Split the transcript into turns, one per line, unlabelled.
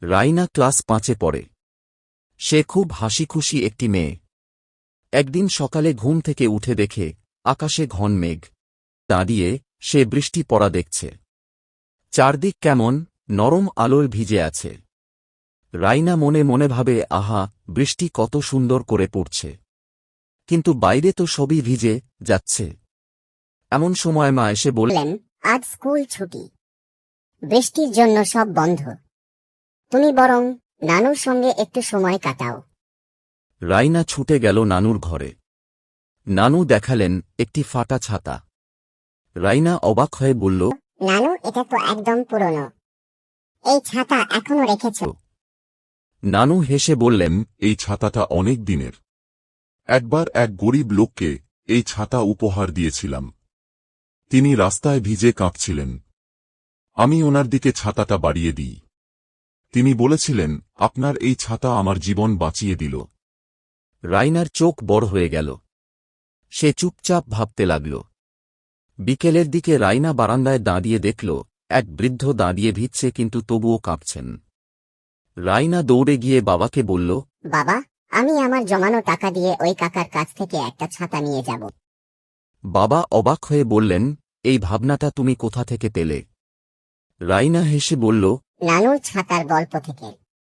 Raina class 5-এ পড়ে। সে খুব হাসিখুশি একটি মেয়ে। একদিন সকালে ঘুম থেকে উঠে দেখে আকাশে ঘন মেঘ। দাঁড়িয়ে সে বৃষ্টি পড়া দেখছে। চারদিক কেমন নরম আলোয় ভিজে আছে। রাইনা মনে মনে ভাবে, আহা, বৃষ্টি কত সুন্দর করে পড়ছে, কিন্তু বাইরে তো সবই ভিজে যাচ্ছে। এমন সময় মা এসে
বললেন, আজ স্কুল ছুটি, বৃষ্টির জন্য সব বন্ধ, তুমি বরং নানুর সঙ্গে একটু সময় কাটাও।
রাইনা ছুটে গেল নানুর ঘরে। নানু দেখালেন একটি ফাটা ছাতা। রাইনা অবাক হয়ে বলল,
নানু, এটা তো একদম পুরনো, এই ছাতা এখনো রেখেছ?
নানু হেসে বললেন,
এই ছাতাটা অনেক দিনের। একবার এক গরিব লোককে এই ছাতা উপহার দিয়েছিলাম। তিনি রাস্তায় ভিজে কাঁপছিলেন। আমি ওনার দিকে ছাতাটা বাড়িয়ে দিই। তিনি বলেছিলেন, আপনার এই ছাতা আমার জীবন বাঁচিয়ে দিল।
রাইনার চোখ বড় হয়ে গেল। সে চুপচাপ ভাবতে লাগল। বিকেলের দিকে রাইনা বারান্দায় দাঁড়িয়ে দেখল এক বৃদ্ধ দাঁড়িয়ে ভিজছে, কিন্তু তবুও কাঁপছেন। রাইনা দৌড়ে গিয়ে বাবাকে বলল,
বাবা, আমি আমার জমানো টাকা দিয়ে ওই কাকার কাছ থেকে একটা ছাতা নিয়ে যাব।
বাবা অবাক হয়ে বললেন, এই ভাবনাটা তুমি কোথা থেকে পেলে? রাইনা হেসে বলল,
নানুর ছাতার গল্প থেকে।